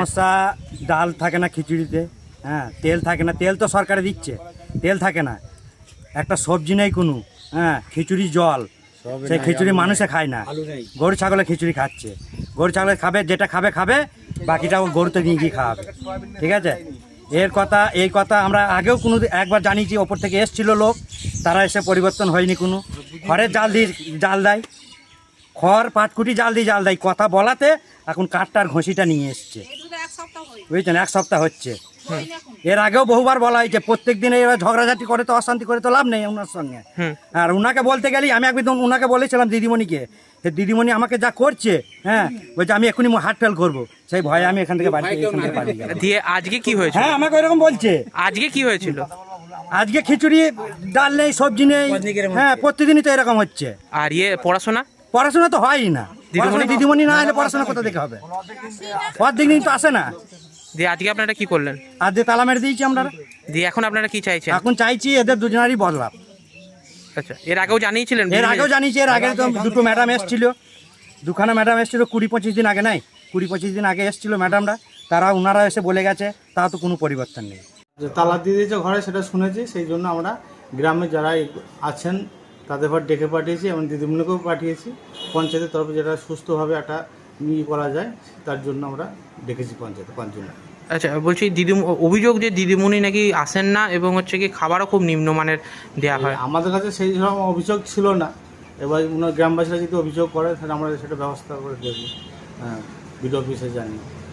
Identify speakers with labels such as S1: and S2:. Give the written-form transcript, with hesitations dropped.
S1: সমস্যা ডাল থাকে না খিচুড়িতে, হ্যাঁ, তেল থাকে না, তেল তো সরকারে দিচ্ছে, তেল থাকে না, একটা সবজি নেই কোনো, হ্যাঁ, খিচুড়ি জল, সেই খিচুড়ি মানুষে খায় না, গরু ছাগলে খিচুড়ি খাচ্ছে, গরু ছাগলে খাবে, যেটা খাবে খাবে, বাকিটা ও গরুতে নিয়ে গিয়ে খাওয়াবে, ঠিক আছে। এই কথা আমরা আগেও কোনো একবার জানিয়েছি, ওপর থেকে এসছিল লোক, তারা এসে পরিবর্তন হয়নি কোনো। খড়ের জাল দেয়, খড় পাটকুটি জাল দেয়, কথা বলাতে এখন কাঠটার ঘষিটা নিয়ে এসছে, বুঝছেন, 1 সপ্তাহ হচ্ছে। এর আগেও বহুবার বলা হয়েছে, প্রত্যেক দিনে এবার ঝগড়াঝাটি করে তো, অশান্তি করে তো লাভ নেই ওনার সঙ্গে। আর ওনাকে বলতে গেলেই আমি একদম ওনাকে বলেছিলাম দিদিমণিকে, দিদিমণি আমাকে যা করছে, হ্যাঁ, বলছে আমি এখনই হার্ট ফেল করবো, সেই ভয়ে আমি এখান থেকে বাড়ি
S2: দিয়ে আজকে কি হয়েছে?
S1: হ্যাঁ, আমাকে এরকম বলছে।
S2: আজকে কি হয়েছিল?
S1: আজকে খিচুড়ি ডাল নেই, সবজি নেই, হ্যাঁ, প্রতিদিনই তো এরকম হচ্ছে।
S2: আর
S1: পড়াশোনা তো হয়ই না, দিদিমণি না এলে পড়াশোনা কোথা থেকে হবে, প্রত্যেকদিন তো আসে না।
S2: দিয়ে আজকে আপনারা কি করলেন?
S1: আজকে তালা মেরে দিয়েছি আমরা।
S2: দিয়ে এখন আপনারা কি চাইছেন?
S1: এখন চাইছি এদের দুজনেরই বদলাম।
S2: আচ্ছা, এর আগেও জানিয়েছিলেন?
S1: এর আগে তো দুটো ম্যাডাম এসেছিল, দুখানা ম্যাডাম এসেছিল 20-25 দিন আগে, নাই 20-25 দিন আগে এসেছিল ম্যাডামরা, ওনারা এসে বলে গেছে, তাও তো কোনো পরিবর্তন নেই।
S3: তালা দিয়ে দিয়েছে ঘরে, সেটা শুনেছি, সেই জন্য আমরা গ্রামে যারা আছেন তাদের পর ডেকে পাঠিয়েছি এবং দিদিমণিকেও পাঠিয়েছি। পঞ্চায়েতের তরফে যেটা সুস্থভাবে একটা করা যায় তার জন্য আমরা ডেকেছি পঞ্চায়েতে 5 জন।
S2: আচ্ছা, বলছি অভিযোগ যে দিদিমণি নাকি আসেন না এবং হচ্ছে কি খাবারও খুব নিম্নমানের দেওয়া হয়।
S3: আমাদের কাছে সেই রকম অভিযোগ ছিল না, এবার গ্রামবাসীরা যদি অভিযোগ করে তাহলে আমরা সেটা ব্যবস্থা করে দেবো, হ্যাঁ, বিডিও অফিসে জানি।